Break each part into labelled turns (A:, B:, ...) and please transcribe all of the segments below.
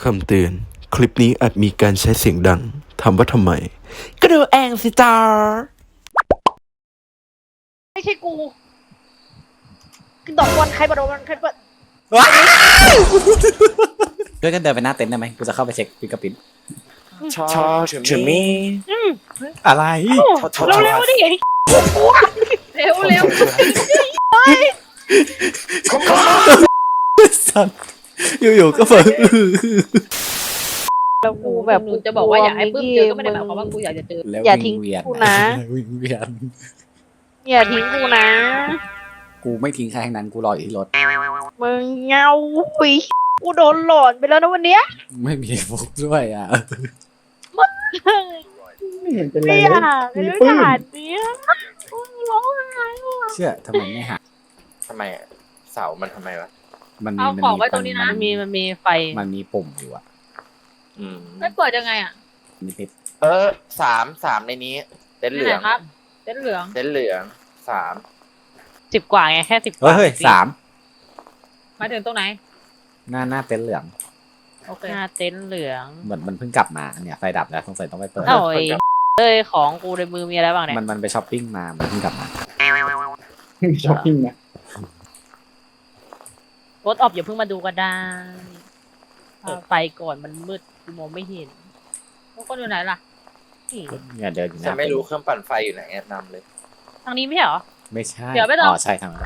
A: คำเตือนคลิปนี้อาจมีการใช้เสียงดังถามว่าทำไมก็ดูเองสิจ้า
B: ไม่ใช่กูดอกบอลใครมาโดนใครเปิด
C: ด้วยกันเดินไปหน้าเต็นท์ได้ไหมกูจะเข้าไปเช็คฟิงเกอร์พรินท์
D: Talk to me
C: อะไร
B: เร็วๆดิเร็วเร็ว
C: สัตว์อยู่ๆก็เปิด
B: แล้วกูแบบ
E: หนูจะบอกว่าอยากให้ปื้มเจอก็ไม่ได้หมายความว่ากูอยากจะเจอ
C: แล้ว
B: อย่าทิ้ง
C: วิ่เวียน
B: กูนะ
C: วิ่งเวียน
B: อย่าทิ้งกูนะ
C: กูไม่ทิ้งใครทั้งนั้นกูรออยู่ที่รถ
B: มึงเงาหุยกูโดนหลอนไปแล้วนะวันเนี้ย
C: ไม่มีฟุกด้วยอ่ะ
D: ไม่เห็นเป็นไร
B: ไม่
D: เล
B: อย ยากไม่อยากเนี้ยร้องไห้
C: เชื่อทำไมไม่หา
D: ทำไมอะเสามันทำไมวะ
C: มันมี
E: เอาของไว้ตรงนี้นะ
B: มันมีไฟ
C: มันมีปุ่มอยู่อ่ะ
E: ไม่เปิดยังไงอ่ะ
C: มีปิด
D: สามในนี้ เต็นท์เหลื
E: ไห
D: อง
E: นครับเส้นเหลือง
D: เต็นท์เหลือง3
B: 10 กว่าไงแค่10 ก
C: เฮ้
B: ว่าย
C: สาม
E: มาถึงตรงไหน
C: หน้าเต็นท์เหลือง
E: โอเค
B: หน้าเต็นท์เหลือง
C: เหมือนมันเพิ่งกลับมาเนี่ยไฟดับแล้วสงสัยต้องไปเปิด
B: โอ้ยเอ้ยของกูในมือมีอะไรบ้างเนี่ย
C: มันไปช้อปปิ้งมามันเพิ่งกลับมา
D: ช้อปปิ้งนะ
B: รถออกอย่าเพิ่งมาดูก็ได้ไฟก่อนมันมืดกูมองไม่เห็น
E: ทุกคนอยู่ไหนล่ะ
B: นี่
C: เนี่ยเดินอยู่ห
D: ฉั
C: น้าน
D: ไม่รู้เครื่องปั่นไฟอยู่ไหนแนะนำเลย
B: ทางนี้ไม่ใช่เหรอ
C: ไม่ใช่
E: เดี๋ยวไม่ต้อง
C: อ๋อใช่ทางนั้น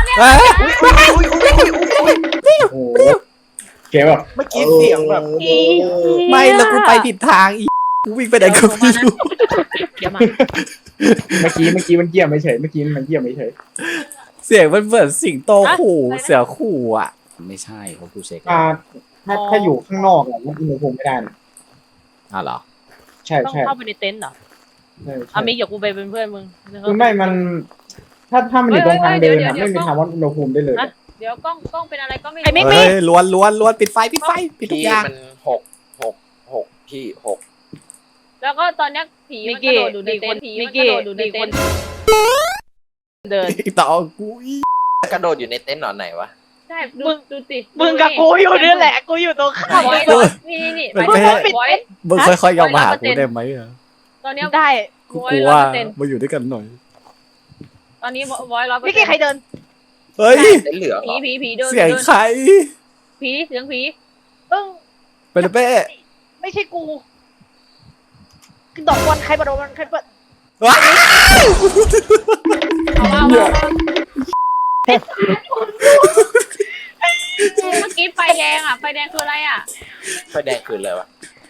D: โอ้โหแกแบบเมื่อกี้เสียงแบบ
C: ไม่แล้วกูไปผิดทางอีกูวิ่งไปไหนก็ไม่รู้
E: เดี๋ยวมา
F: เมื่อกี้มันเกี่ยวไม่เฉยเมื่อกี้มันเกี่ยวไม่เฉย
C: เสียงมันเหมือนสิงโตขู่เสือขู่อ่ะ ไม่ใช่เพราะกูเช็คแล้ว
F: ถ้าอยู่ข้างนอกอะมันอุณหภูมิไม่ได้นะ
C: อ้าวเหรอ
F: ใช่
B: ต้อง
F: ใช่
B: เข้าไปในเต็นท์เหรอ
F: ใช่
B: อามิกเดี๋ยวกูไปเป็นเพื่อนมึง
F: คือไม่มัน ถ้ามันอยู่ตรงทางเดินอะไม่มีทางวัดอุณหภูมิได้เลย
E: เดี๋ยวกล้องเป็นอะไรก็ไม่
B: ไอ้
E: รู้
B: มิก
C: เฮ้ยล้วนปิดไฟปิดทุก
D: พี่
C: อย่าง
D: มัน6พี่6
E: แล้วก็ตอนเนี้ยผีมันกระโดดอยู่ในเต็นท์ผีมันกระโดดอยู่ในเต็นท์
B: เดิน
C: ต่อกูอี
D: กระโดดอยู่ในเต็นท์หนอนไหนวะ
E: ใช่ดูสิ
B: มึงกับกูอยู่นี่แหละกูอยู่ตรงข้าม
E: ไว้นี่ไปไว้
C: มึงค่อยๆยอมมาหากูได้ไหมอะ
E: ตอนเนี้ย
B: ได้
C: กูกลัวมาอยู่ด้วยกันหน่อย
E: ตอนนี้ไว้100%
B: มิกกี้ใครเดิน
C: เฮ้ย
D: เต็นท์เหลืองเหรอ
E: ผีเดิน
C: เสียงใคร
E: ผีเสียงผี
C: เป็นเป้
B: ไม่ใช่กูดอกบอลใครมาโดนใครเปิด
C: ว้า
E: เอาเมื่อกี้ไฟแดงอ่ะไฟแดงคืออะไรอ่ะ
D: ไฟแดงคืนเลยวะ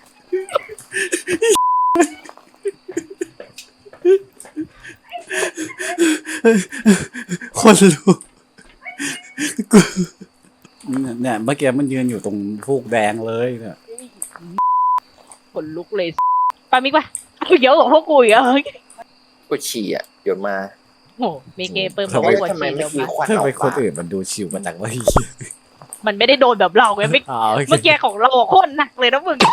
C: คนรู้กูเนี่ยเมื่อกี้มันยืนอยู่ตรงฟูกแดงเลยเนี่ย
B: ขนลุกเลยปามิกปะเยอะกว่าพวกกูอีกเหรอ
D: กูฉี่อ่ะเดี๋ยวมา
B: โอ้เมเกเปิมบอกว่าหัว
D: ทำไม
B: ฉี่
D: ไม่
B: เดี๋ยว
D: มี
B: มา
D: ควัน
C: ทำ
D: ออ
C: ไม
D: ก
C: คน
D: ปาก
C: อื่นมันดูชิวมาจากว่า
B: มันไม่ได้โดนแบบเราไงไม่
C: อ๋อ
B: เมื่อกี้ของเราโคตรหนักเลยนะมึง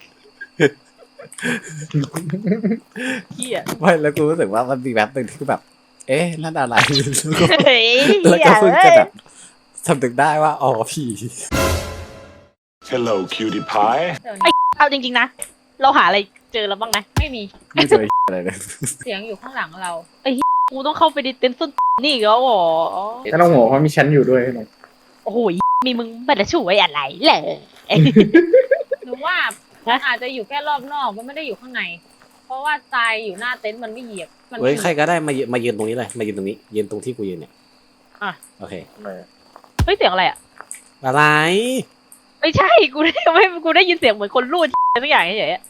B: เฮีย
C: ไม่แล้วกูรู้สึกว่ามันมีแบบหนึ่งที่แบบ เอ๊ะนั่นอะไร
B: เฮ้ย
C: แล้วก็เพิ่งจะแบบสำนึกได้ว่าอ๋อผี
G: Hello, cutie pie.
B: เอาจริงๆนะเราหาอะไรเจอแล้วบ้างนะ
E: ไม่มี
C: ไม่เจออะไรเลย
E: เสียงอยู่ข้างหลังเรา
B: กูต้องเข้าไปในเต็นท์ส้นนี่อีกแล้วเหรอ
F: ถ้าต้องหัวเพราะมีชั้นอยู่ด้วยนะ
B: โอ้โหมีมึงมาจะช่วยอะไรเลย
E: หรือว่ามันอาจจะอยู่แค่รอบนอกมันไม่ได้อยู่ข้างใน เพราะว่าทรายอยู่หน้าเต็นท์มันไม่เหยียบมัน
C: เฮ้ยใครก็ได้มายืนตรงนี้เลยมายืนตรงนี้ยืนตรงที่กูยืนเนี่ยโอเค
B: เฮ้ยเสียงอะไรอ่ะ
C: อะไร
B: ไม่ใช่กูได้ยินเสียงเหมือนคนรูดสักอย่างเฉยๆ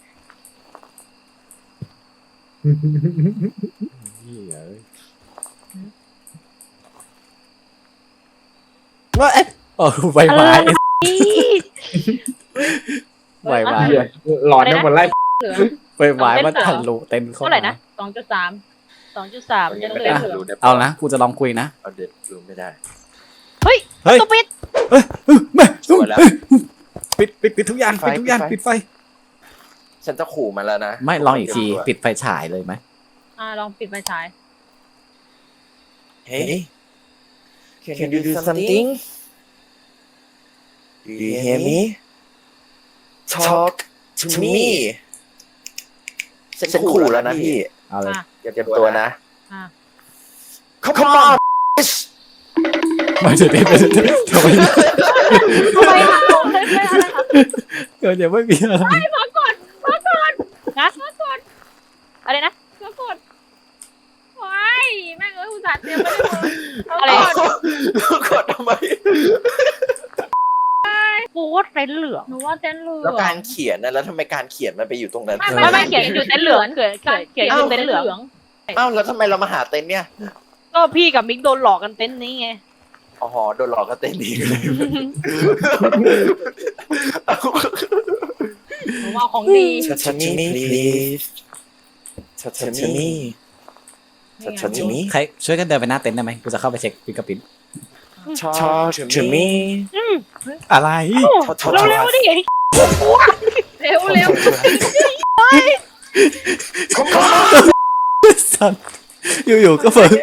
C: ว่าเอ๊ะโอ้ใบไม้ใบไม้
F: หลอนทั้งหมดไล่
E: เหลือง
C: ใบไม้มันทะลุเต็มเข้า
B: เท่าไหร่นะ
E: 2.3
B: 2.3
D: ยั
B: ยัง ง
D: ไม่
B: เหลื
D: ได้
B: อ
D: รู้ได้
C: เอานะกูจะลองคุยนะ
D: เอาเด็ดรู้ไม่ได้
C: เฮ้ย
B: ตุ๊ปิด
C: ไม่
D: สวยแล้ว
C: ปิดทุกอย่างปิดทุกอย่างปิดไฟ
D: ฉันจะขู่มันแล้วนะ
C: ไม่ลองอีกทีปิดไฟฉายเลยไหม
E: ลองปิดไฟฉาย
D: เฮ้ย Can you do something? Do you hear me?
H: talk to me ฉันขู่แล้วนะพี่
C: เอาเลย
E: อ่ะ
H: อย่าเตรียมตัวนะ
E: อ่ะ
H: Come on
C: ไม่จะเต้นไปทำไม
E: ทำไมคะเลยไม่อะไรคะ
C: เดี๋ยวไม่มีอะไร
E: มาก่อนนะมาก่อนอะไรนะมาก่อนว้ายแม่งอุตส่าห์เตรียมมาเลย
B: อะไร
H: กดทำไม
B: กูว่าเต็นท์เหลือง
E: หนูว่าเต้นเหลือง
H: แล้วการเขียนนะแล้วทำไมการเขียนมันไปอยู่ตรงนั้น
B: ไม่เขียนอยู่เต็นท์เหลืองเขียนอยู่เต็นท์เหลือง
H: อ้าวแล้วทำไมเรามาหาเต็นท์เนี่ย
B: ก็พี่กับมิกโดนหลอกกันเต็นท์นี้ไง
H: อ๋อโดนหลอกก็เต็นท์นี้เลย
E: หนูว่าของดี
H: ชัดๆนี่ please ชัดๆนี่ชัดๆนี่
C: ใครช่วยกันเดินไปหน้าเต็นท์ได้ไหมกูจะเข้าไปเช็คฟิกปิน
H: talk to me
C: อะไร
B: เร็วๆดิ
E: เร็วเร็ว
C: สัตว์อยู่ๆก็เปิด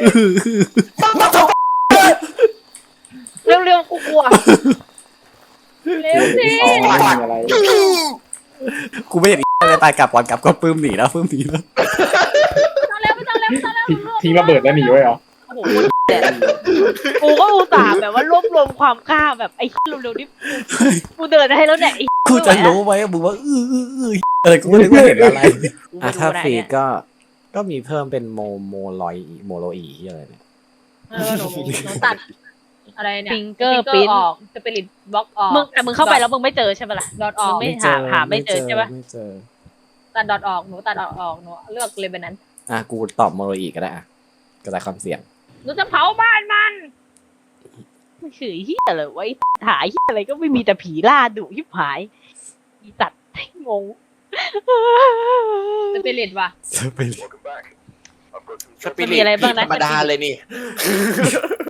B: เร็วๆกูกลัว
E: เร็วสิ
F: อ๋อไม่มีอะไร
C: กูไม่เห็นอะไรตายกลับก่อนกลับก็ปื้มหนีแล้ว
E: ต้องเร็วไม่ต้องเร็วไม่ต้องเร็ว
F: ทิ้งระเบิดแล้วหนีไว้เหรอ
B: โอ้โหกูก็อุตส่าห์แบบว่ารวบรวมความกล้าแบบไอ้เร็วๆนี่กูเดินให้แล้วเนี่ย
C: กูจะรู้ไหมมึงว่าอะไรกูไม่รู้ว่าเห็นอะไร
B: อ่ะ
C: ถ้าฟรีก็มีเพิ่มเป็นโมโลอีอะไรเนี่ย
E: หนูตัดอะไรเนี่ย
B: ฟิงเกอร์ปิ้น
E: ออกสปิริตบล็อกออก
B: มึงเข้าไปแล้วมึงไม่เจอใช่ปะล่ะ
E: ดอทออก
B: มึงไม่หาไม่เจอใช่ปะ
C: ไม่เจอ
E: ตัดดอทออกหนูตัดดอทออกหนูเลือกเลยเป็นนั้น
C: อ่ะกูตอบโมโลอีก็ได้อ่ะกระจายความเสี่ยง
E: หนูจะเผาบ้านมัน
B: ไม่เฉยเฮียเลยไว้หายเฮียอะไรก็ไม่มีแต่ผีล่าดุยิบหายอีสัตว์งง
E: สปิริตว่ะ
C: จะไป
H: สปิริตธรรมดาเลยนี่